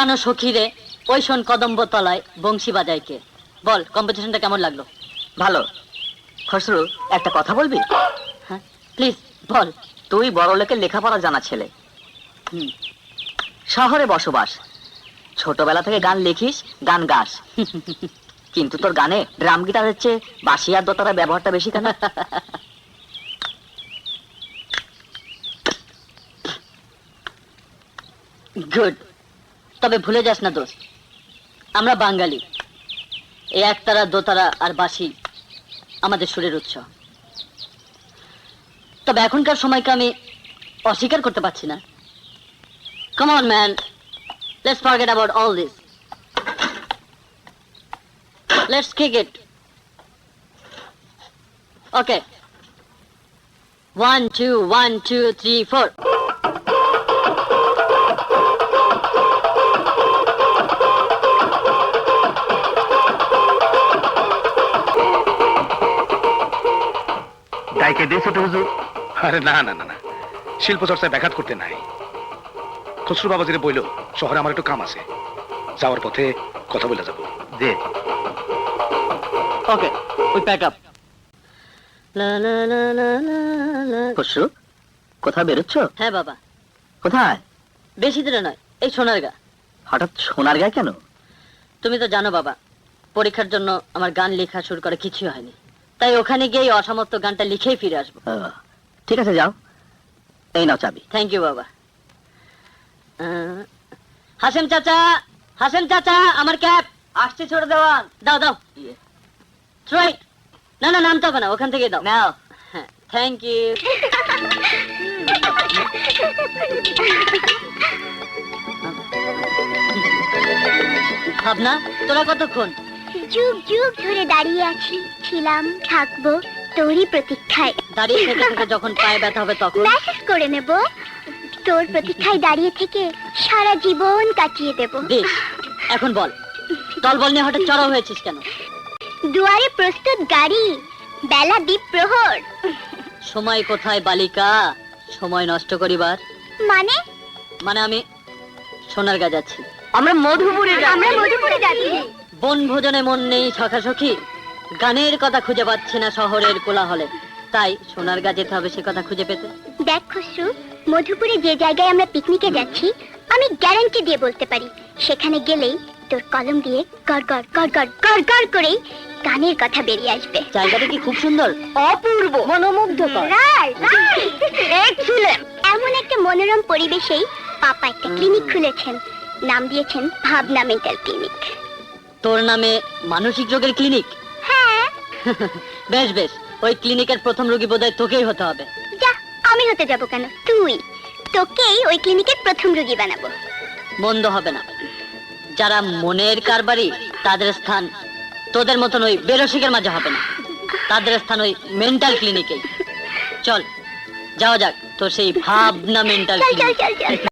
জানো সখী রে, ওই শোন কদম্ব তলায় বংশী বাজায় কে। বল কম্পিটিশনটা কেমন লাগলো? ভালো। খসরু, একটা কথা বলবি? হ্যাঁ প্লিজ বল। তুই বড় লোকের লেখাপড়া জানা ছেলে, হুম। শহরে বসবাস, ছোটবেলা থেকে গান লিখিস, গান গাস, কিন্তু তোর গানে ড্রাম গিটারের চেয়ে বাঁশি আর দোতারা ব্যবহারটা বেশি কেন? গুড। তবে ভুলে যাস না দোস্ত, আমরা বাঙালি, এই একতারা দোতারা আর বাঁশি আমাদের সুরের উৎস। তবে এখনকার সময়কে আমি অস্বীকার করতে পারছি না। Come on man, let's forget about all this, let's kick it. Okay, 1 2 1 2 3 4। গাইকে দিয়ে ছোট হুজুর? আরে না না না না, শিল্প চর্চায় ব্যাঘাত করতে নাই। খসরু বাবাজিরে বইল শহরে আমার একটু কাম আছে, যাওয়ার পথে কথা বলে যাবো। যে ওকে, উই প্যাক আপ। লা লা লা লা লা লা। খসরু, কোথাও বেরোচ্ছ? হ্যাঁ বাবা, কোথায়? বেশি দূরে নয়, এই সোনারগা। হঠাৎ সোনার গায়ে কেন? তুমি তো জানো বাবা, পরীক্ষার জন্য আমার গান লেখা শুরু করে কিছুই হয়নি, তাই ওখানে গিয়ে এই অসমাপ্ত গানটা লিখেই ফিরে আসবো। ঠিক আছে, যাও। এই নাও চাবি। থ্যাংক ইউ বাবা। হাসেম চাচা, হাসেম চাচা, আমার ক্যাপ আসছে ছোট দেওয়ান। দাও দাও। রাইট। না না, নামতে হবে না, ওখান থেকে দাও। নাও। হ্যাঁ, থ্যাংক ইউ। ভাবনা, তোরা কতক্ষণ? যুগ যুগ ধরে দাঁড়িয়ে আছি, ছিলাম, থাকবো তোরই প্রতীক্ষায়। দাঁড়িয়ে থেকে থেকে যখন পায়ে ব্যথা হবে তখন? মেসেজ করে নেব, তোর প্রতীক্ষায় দাঁড়িয়ে থেকে সারা জীবন কাটিয়ে দেব। বেশ, এখন বল, দলবল নিয়ে হঠাৎ চড়াও হয়েছিস কেন? দুয়ারে প্রস্তুত গাড়ি, বেলা দ্বীপ প্রহর। সময় কোথায় বালিকা, সময় নষ্ট করিবার? মানে? মানে আমি সোনারগা যাচ্ছি। আমরা মধুপুরে আমরা মধুপুরে যাচ্ছি। বনভোজনে মন নেই সখাসখি, গানের কথা খুঁজে পাচ্ছি না শহরের কোলাহলে, তাই সোনারগা যেতে হবে সে কথা খুঁজে পেতে। দেখ খসরু, মধুপুরে যে জায়গায় আমরা পিকনিকে যাচ্ছি, আমি গ্যারান্টি দিয়ে বলতে পারি সেখানে গেলেই তোর কলম দিয়ে গড় গড় গড় গড় গড় গড় করেই গানের কথা বেরিয়ে আসবে। জায়গাটা কি খুব সুন্দর? অপূর্ব, মনোমুগ্ধকর। এমন একটা মনোরম পরিবেশেই পাপা একটা ক্লিনিক খুলেছেন, নাম দিয়েছেন ভাবনা মেন্টাল ক্লিনিক। তোর নামে মানসিক রোগের ক্লিনিক? হ্যাঁ। বেশ বেশ, ওই ক্লিনিকের প্রথম রোগী বোধহয় তোকেই হতে হবে। যা, আমি হতে যাব কেন? তুই, তোকেই ওই ক্লিনিকের প্রথম রোগী বানাবো। মন্দ হবে না। যারা মনের কারবারি তাদের স্থান তোদের মতন ওই বেরসিকের মাঝে হবে না, তাদের স্থান ওই মেন্টাল ক্লিনিকেই। চল যাওয়া যাক তোর সেই ভাবনা মেন্টাল চল চল ক্লিনিক। চল চল।